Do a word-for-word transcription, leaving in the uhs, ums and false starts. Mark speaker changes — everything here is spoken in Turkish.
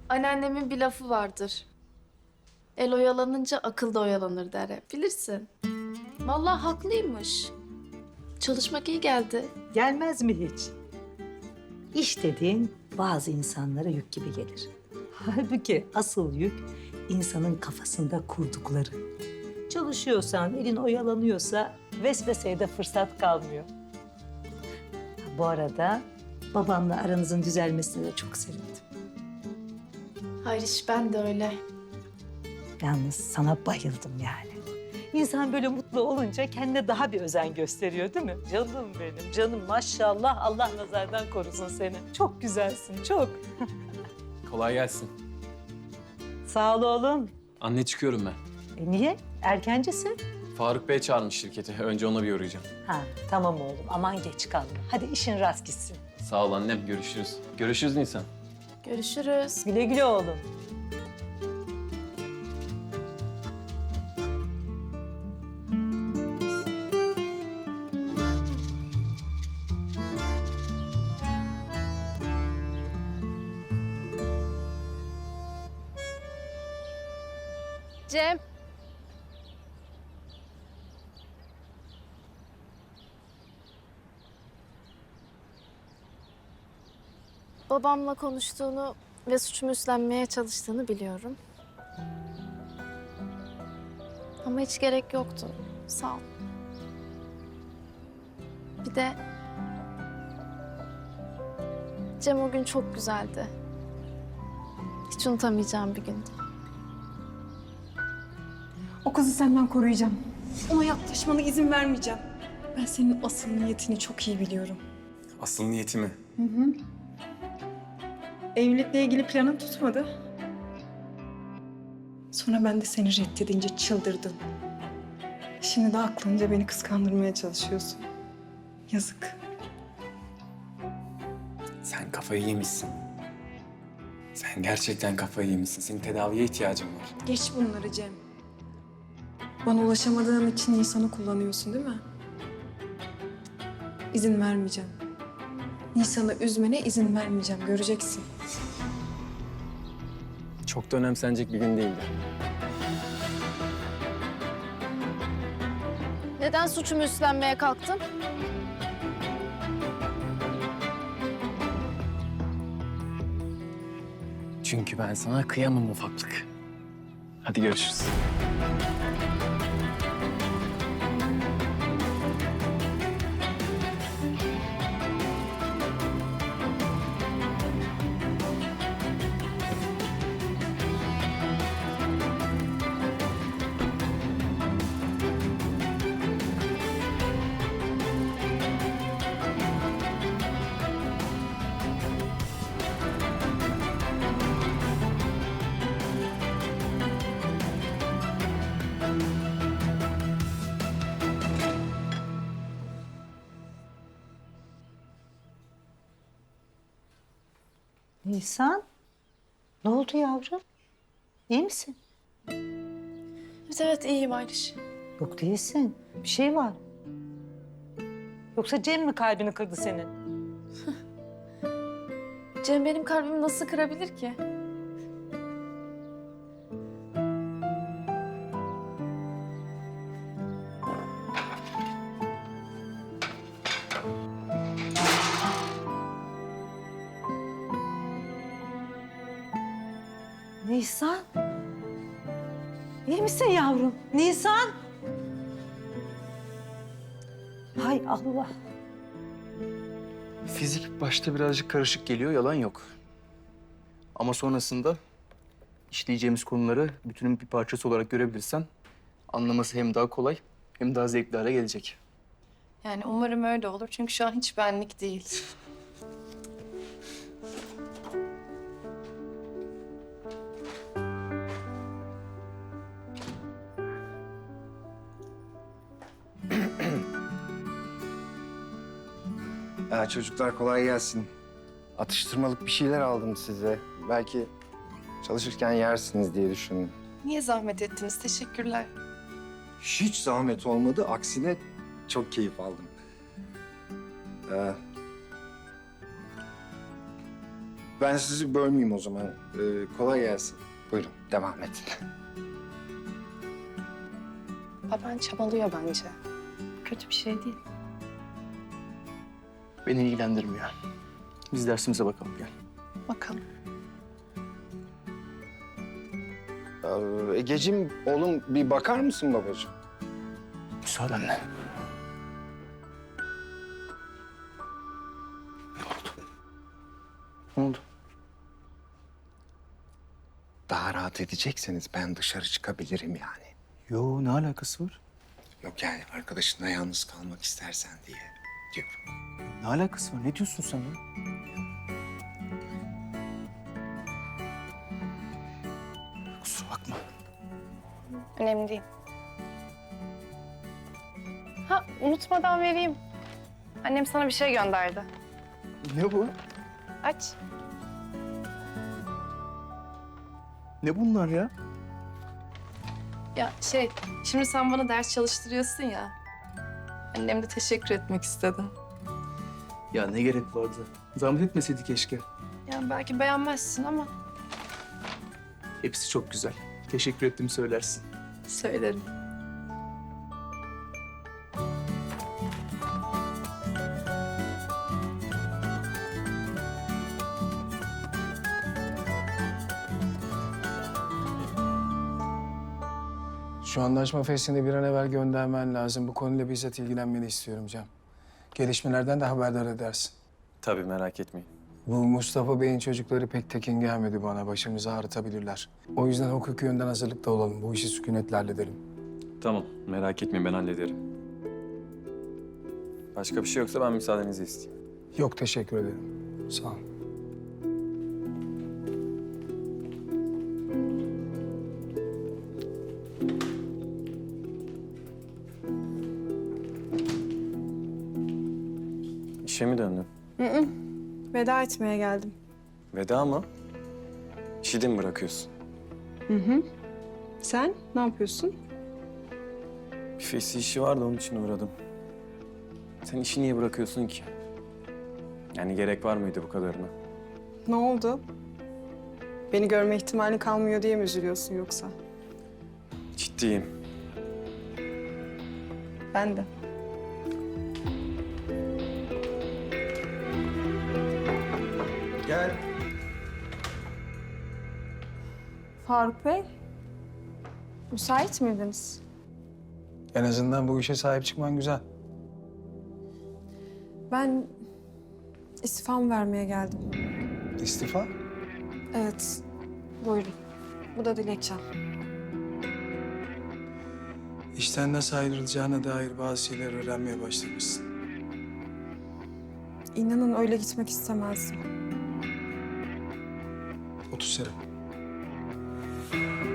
Speaker 1: Anneannemin bir lafı vardır. El oyalanınca akıl da oyalanır der hep. Bilirsin. Vallahi haklıymış. Çalışmak iyi geldi.
Speaker 2: Gelmez mi hiç? İş dediğin bazı insanlara yük gibi gelir. Halbuki asıl yük insanın kafasında kurdukları. Çalışıyorsan, elin oyalanıyorsa vesveseye de fırsat kalmıyor. Bu arada babamla aranızın düzelmesine de çok sevindim.
Speaker 1: Hayır iş ben de öyle.
Speaker 2: Yalnız sana bayıldım yani. İnsan böyle mutlu olunca kendine daha bir özen gösteriyor değil mi? Canım benim, canım maşallah Allah nazardan korusun seni. Çok güzelsin, çok.
Speaker 3: Kolay gelsin.
Speaker 2: Sağ ol oğlum.
Speaker 3: Anne çıkıyorum ben.
Speaker 2: E niye? Erkencisin.
Speaker 3: Faruk Bey çağırmış şirketi. Önce ona bir uğrayacağım.
Speaker 2: Ha tamam oğlum aman geç kalma. Hadi işin rast gitsin.
Speaker 3: Sağ ol annem. Görüşürüz. Görüşürüz Nisan.
Speaker 1: Görüşürüz.
Speaker 2: Güle güle oğlum.
Speaker 1: Cem. Babamla konuştuğunu ve suçumu üstlenmeye çalıştığını biliyorum. Ama hiç gerek yoktu. Sağ ol. Bir de Cem o gün çok güzeldi. Hiç unutamayacağım bir gündü.
Speaker 4: O kızı senden koruyacağım. Ona yaklaşmana izin vermeyeceğim. Ben senin asıl niyetini çok iyi biliyorum.
Speaker 3: Asıl niyetimi.
Speaker 4: Evlilikle ilgili planın tutmadı. Sonra ben de seni reddedince çıldırdın. Şimdi de aklınca beni kıskandırmaya çalışıyorsun. Yazık.
Speaker 3: Sen kafayı yemişsin. Sen gerçekten kafayı yemişsin. Senin tedaviye ihtiyacın var.
Speaker 4: Geç bunları Cem. Bana ulaşamadığın için Nisan'ı kullanıyorsun değil mi? İzin vermeyeceğim. Nisan'ı üzmene izin vermeyeceğim. Göreceksin.
Speaker 3: Çok da önemsenecek bir gün değildi.
Speaker 1: Neden suçumu üstlenmeye kalktın?
Speaker 3: Çünkü ben sana kıyamam ufaklık. Hadi görüşürüz.
Speaker 2: Nisan, ne oldu yavrum? İyi misin?
Speaker 1: Evet evet iyiyim Ayriş.
Speaker 2: Yok değilsin. Bir şey var. Yoksa Cem mi kalbini kırdı senin?
Speaker 1: Cem benim kalbimi nasıl kırabilir ki?
Speaker 2: Nisan. İyi misin yavrum? Nisan. Hay Allah.
Speaker 5: Fizik başta birazcık karışık geliyor, yalan yok. Ama sonrasında işleyeceğimiz konuları bütünün bir parçası olarak görebilirsen anlaması hem daha kolay hem daha zevkli hale gelecek.
Speaker 6: Yani umarım öyle olur çünkü şu an hiç benlik değil.
Speaker 7: Ya çocuklar kolay gelsin. Atıştırmalık bir şeyler aldım size. Belki çalışırken yersiniz diye düşündüm.
Speaker 6: Niye zahmet ettiniz? Teşekkürler.
Speaker 7: Hiç zahmet olmadı. Aksine çok keyif aldım. Ee, ben sizi bölmeyeyim o zaman. Ee, kolay gelsin. Buyurun, devam edin.
Speaker 6: Baban çabalıyor bence. Kötü bir şey değil.
Speaker 5: Beni ilgilendirmiyor. Biz dersimize bakalım gel.
Speaker 6: Bakalım.
Speaker 7: Ee, Egeciğim, oğlum bir bakar mısın babacığım?
Speaker 5: Müsaadenle. Ne oldu?
Speaker 7: Daha rahat edecekseniz ben dışarı çıkabilirim yani.
Speaker 5: Yo, ne alakası var?
Speaker 7: Yok yani arkadaşınla yalnız kalmak istersen diye diyorum.
Speaker 5: Ne alakası var? Ne diyorsun sen ya? Kusura bakma.
Speaker 6: Önemli değil. Ha, unutmadan vereyim. Annem sana bir şey gönderdi.
Speaker 5: Ne bu?
Speaker 6: Aç.
Speaker 5: Ne bunlar ya?
Speaker 6: Ya şey, şimdi sen bana ders çalıştırıyorsun ya. Annem de teşekkür etmek istedi.
Speaker 5: Ya ne gerek vardı? Zahmet etmeseydi keşke.
Speaker 6: Yani belki beğenmezsin ama
Speaker 5: Hepsi çok güzel. Teşekkür ettim söylersin.
Speaker 6: söylerim.
Speaker 8: Şu anlaşma fesini bir an evvel göndermen lazım. Bu konuyla bizzat ilgilenmeni istiyorum Cem. Gelişmelerden de haberdar edersin.
Speaker 3: Tabii merak etmeyin.
Speaker 8: Bu Mustafa Bey'in çocukları pek tekin gelmedi bana. Başımızı ağrıtabilirler. O yüzden hukuki yönden hazırlıkta olalım. Bu işi sükunetle halledelim.
Speaker 3: Tamam merak etmeyin ben hallederim. Başka bir şey yoksa ben müsaadenizi isteyeyim.
Speaker 8: Yok, teşekkür ederim. Sağ ol.
Speaker 3: İşe mi döndün?
Speaker 4: Veda etmeye geldim.
Speaker 3: Veda mı? İşi de mi bırakıyorsun?
Speaker 4: Hı hı. Sen ne yapıyorsun?
Speaker 3: Bir fesi işi vardı onun için uğradım. Sen işi niye bırakıyorsun ki? Yani gerek var mıydı bu kadarına?
Speaker 4: Ne oldu? Beni görme ihtimalin kalmıyor diye mi üzülüyorsun yoksa?
Speaker 3: Ciddiyim.
Speaker 4: Ben de.
Speaker 8: Gel.
Speaker 4: Faruk Bey, müsait miydiniz?
Speaker 8: En azından bu işe sahip çıkman güzel.
Speaker 4: Ben istifamı vermeye geldim.
Speaker 8: İstifa?
Speaker 4: Evet, buyurun. Bu da dilekçem.
Speaker 8: İşten nasıl ayrılacağına dair bazı şeyler öğrenmeye başlamışsın.
Speaker 4: İnanın öyle gitmek istemezdim.
Speaker 8: Otur Serap.